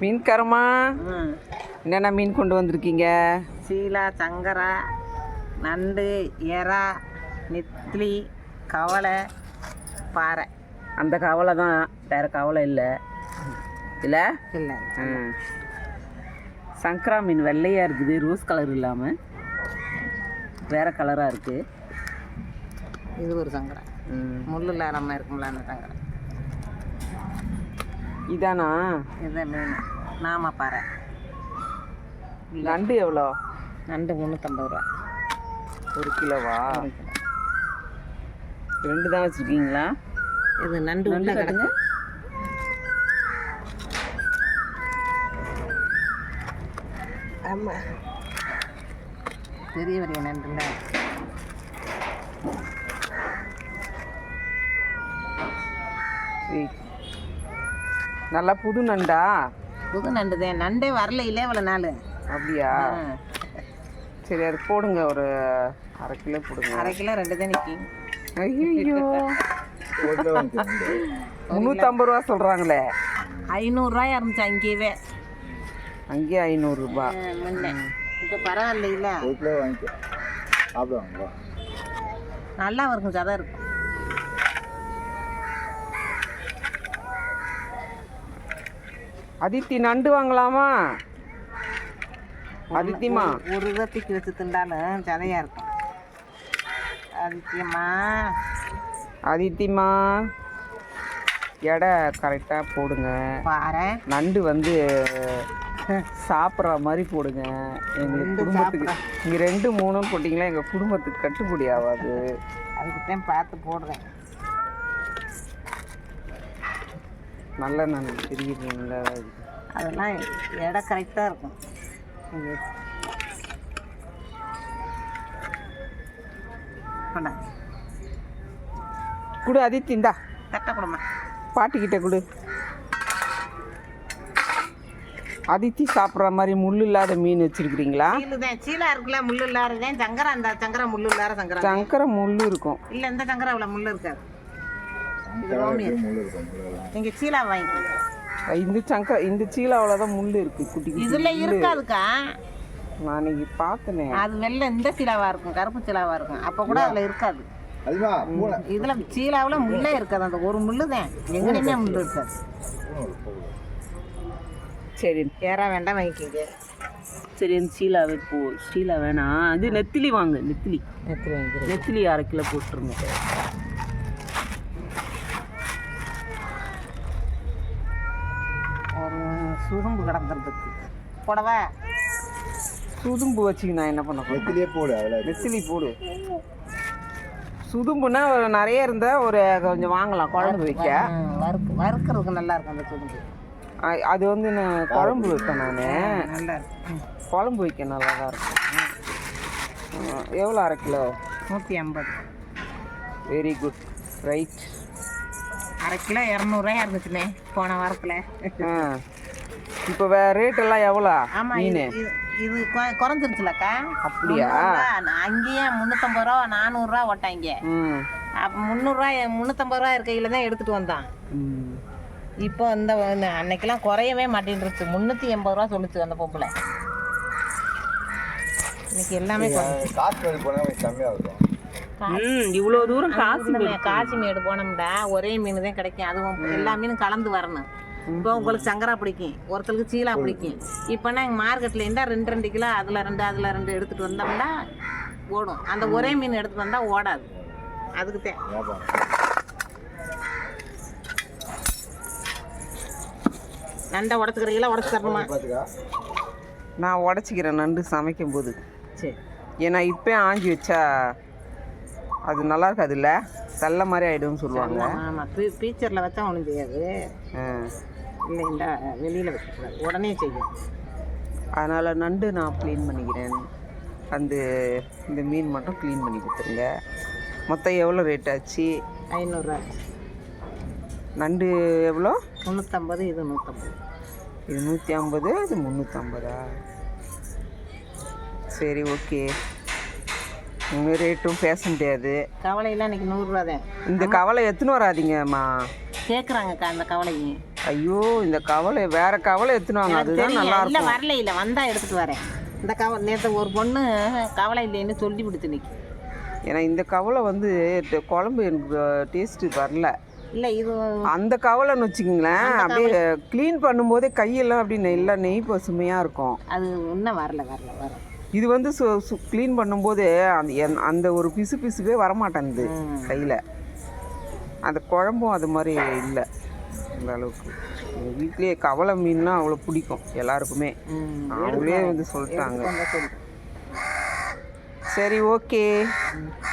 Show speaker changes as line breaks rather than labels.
மீன்காரம்மா, என்னென்ன மீன் கொண்டு வந்திருக்கீங்க?
சீலா, சங்கரா, நண்டு, எறா, நெத்திலி, கவலை, பாறை.
அந்த கவலை தான், வேறு கவலை இல்லை இல்லை
இல்லை.
சங்கரா மீன் வெள்ளையாக இருக்குது, ரோஸ் கலர் இல்லாமல் வேறு கலராக இருக்குது.
இது ஒரு சங்கரா, முள் இல்லாமல் இருக்கும்ல அந்த சங்கரா.
இதானா?
இதுதான் மீன். நாம பாறை.
நண்டு எவ்வளோ?
நண்டு 350 ரூபா.
1 கிலோவா? 2 தான் வச்சுருக்கீங்களா?
இது நண்டு உள்ள கிடக்கு. ஆமாம், பெரிய பெரிய நண்டுல.
நல்லா புது நண்டா?
புது நண்டு தான். நண்டே வரல இல்லை இவ்வளோ நாள்.
அப்படியா? சரி, அது போடுங்க, ஒரு 1/2 கிலோ போடுங்க.
1/2 கிலோ 2 தான் நிற்கும்.
ஐயோ, 350 ரூபா சொல்கிறாங்களே.
500 ரூபாயா இருந்துச்சு அங்கேயே.
அங்கேயே 500 ரூபா.
முன்ன இப்போ பரவாயில்ல இல்லை, நல்லா இருக்கும், சதை இருக்கும்.
அதித்தி, நண்டு வாங்கலாமா? அதித்திமா,
ஒரு இதை தூக்கி வச்சு திண்டாலும் சதையாக இருக்கும். அதித்தியம்மா,
அதித்திமா, எடை கரெக்டாக போடுங்க.
பாறை
நண்டு வந்து சாப்பிட்ற மாதிரி போடுங்க. எங்களுக்கு குடும்பத்துக்கு இங்கே 2 3 போட்டிங்களா எங்கள் குடும்பத்துக்கு கட்டுப்படி ஆகாது.
அதுக்கு தான் பார்த்து போடுறேன்.
நல்ல நண்டு தெரியுதுங்களா?
அதெல்லாம் எடை கரெக்டாக இருக்கும்.
கொடு அதித்தி, இந்தா
கட்ட கொடுமா,
பாட்டிக்கிட்ட கொடு. அதித்தி சாப்பிட்ற மாதிரி முள் இல்லாத மீன் வச்சிருக்கிறீங்களா?
சீலுதான், சீலா இருக்குல்ல, முள் இல்லாததான். சங்கரா, அந்த சங்கரா முள் இல்லாத சங்கரா.
சங்கரை முள் இருக்கும்.
இல்லை, இந்த சங்கரா அவ்வளோ முள் இருக்காது. இது ரோமியர். நீங்கள் சீலா வாங்கிக்கோங்க.
இந்த சீலாவில் தான் முள் இருக்குது, குட்டி குட்டி.
இதில் இருக்காதுக்கா,
நான் இன்னைக்கு பார்த்தனே.
அது வெள்ளை இந்த சீலாவாக இருக்கும், கருப்பு சீலாவாக இருக்கும். அப்போ கூட அதில் இருக்காது. இதில் சீலாவில் முள்ளே இருக்காது. அந்த ஒரு முள்ளு தான், எங்கேயுமே முள் இருக்காது.
சரி,
ஏறா வேண்டாம், வாங்கிக்கிங்க.
சரி, அந்த சீலாவே போ. சீலா வேணாம், அது நெத்திலி வாங்க. நெத்திலி
வாங்கிக்கிறேன்.
நெத்திலி 1/2 கிலோ போட்டுருங்க.
ஒரு சுரும்பு கிடக்கிறதுக்கு போடவா?
சுதும்பு வச்சுக்க நான் என்ன பண்ண போறேன்?
நெத்திலியே போடு.
நெத்திலி போடு. சுதும்புனா ஒரு நிறைய இருந்தால் ஒரு கொஞ்சம் வாங்கலாம் குழம்பு வைக்க.
வறுக்கிறதுக்கு நல்லா இருக்கும் அந்த சுரும்பு.
அது வந்து நான் குழம்பு வைப்பேன். நான்
நல்லா இருக்கும்,
குழம்பு வைக்க நல்லா தான் இருக்கும். எவ்வளோ 1/2 kilo?
150.
Very good, right.
1/2 kilo 200 ரூபாயா இருந்துச்சுண்ணே போன வாரத்தில்.
இப்போ ரேட்டெல்லாம் எவ்வளோ? மீன்
இது குறைஞ்சிருச்சுலக்கா.
அப்படியா?
அங்கேயே 350 ரூபா 400 ரூபா ஓட்டாங்க. அப்போ 300 ரூபா 350 ரூபா இருக்கையில் தான் எடுத்துகிட்டு வந்தான். இப்போ இந்த அன்னைக்கெல்லாம் குறையவே மாட்டேன்ருச்சு. 380 ரூபா சொல்லுச்சு அந்த பொம்பளை. இன்னைக்கு எல்லாமே
இவ்வளோ தூரம்
காசிமேடு போனோம்டா ஒரே மீன் தான் கிடைக்கும். அதுவும் எல்லா மீனும் கலந்து வரணும். இப்போ உங்களுக்கு சங்கரா பிடிக்கும், ஒருத்தருக்கு சீலா பிடிக்கும். இப்போனா எங்கள் மார்க்கெட்டில் இருந்தால் 2 கிலோ அதில் 2 எடுத்துகிட்டு வந்தோம்னா ஓடும். அந்த ஒரே மீன் எடுத்துகிட்டு வந்தால் ஓடாது. அதுக்கு தான் நண்டை உடச்சிக்கிறீங்களா? உடச்சி தரணுமா?
நான் உடச்சிக்கிறேன் நண்டு சமைக்கும் போது.
சரி,
ஏன்னா இப்போ ஆஞ்சி வச்சா அது நல்லா இருக்காது, இல்லை தள்ள மாதிரி ஆகிடும்னு சொல்லுவாங்க.
ஆமாம், பீச்சரில் வச்சா ஒன்றும் செய்யாது. இல்லை, இந்த வெளியில் வைக்கக்கூடாது, உடனே செய்யும்.
அதனால் நண்டு நான் க்ளீன் பண்ணிக்கிறேன். இந்த மீன் மட்டும் க்ளீன் பண்ணி கொடுத்துருங்க. மொத்தம் எவ்வளோ ரேட் ஆச்சு?
500 ரூபா.
நண்டு எவ்வளோ?
350. இது 150.
இது 150, இது 350. சரி, ஓகே. உங்கள் ரேட்டும் பேச முடியாது.
கவலையெல்லாம் இன்றைக்கி 100 ரூபா தான்.
இந்த கவலை எத்தனை வராதிங்கம்மா?
கேட்குறாங்கக்கா அந்த கவலையும்.
ஐயோ இந்த கவலை வேற கவலை எடுத்துனாங்க, அதுதான் நல்லா
இல்லை
இருக்கும்.
வரல இல்லை வந்தால் எடுத்துகிட்டு வரேன். இந்த நேற்று ஒரு பொண்ணு கவலை இல்லைன்னு சொல்லி விடுத்து நிற்கி.
ஏன்னா இந்த கவலை வந்து குழம்பு எனக்கு டேஸ்ட்டு வரல.
இல்லை இது
அந்த கவலைன்னு வச்சுக்கிங்களேன், அப்படியே க்ளீன் பண்ணும்போதே கையெல்லாம் அப்படி நல்லா நெய் பசுமையாக இருக்கும்.
அது இன்னும் வரல.
இது வந்து க்ளீன் பண்ணும்போது அந்த ஒரு பிசுவே வரமாட்டேங்குது கையில். அந்த குழம்பும் அது மாதிரி இல்லை அந்த அளவுக்கு. எங்கள் வீட்லேயே கவலை மீன்னா அவ்வளோ பிடிக்கும் எல்லாருக்குமே. அவங்களே வந்து சொல்லிட்டாங்க. சரி, ஓகே.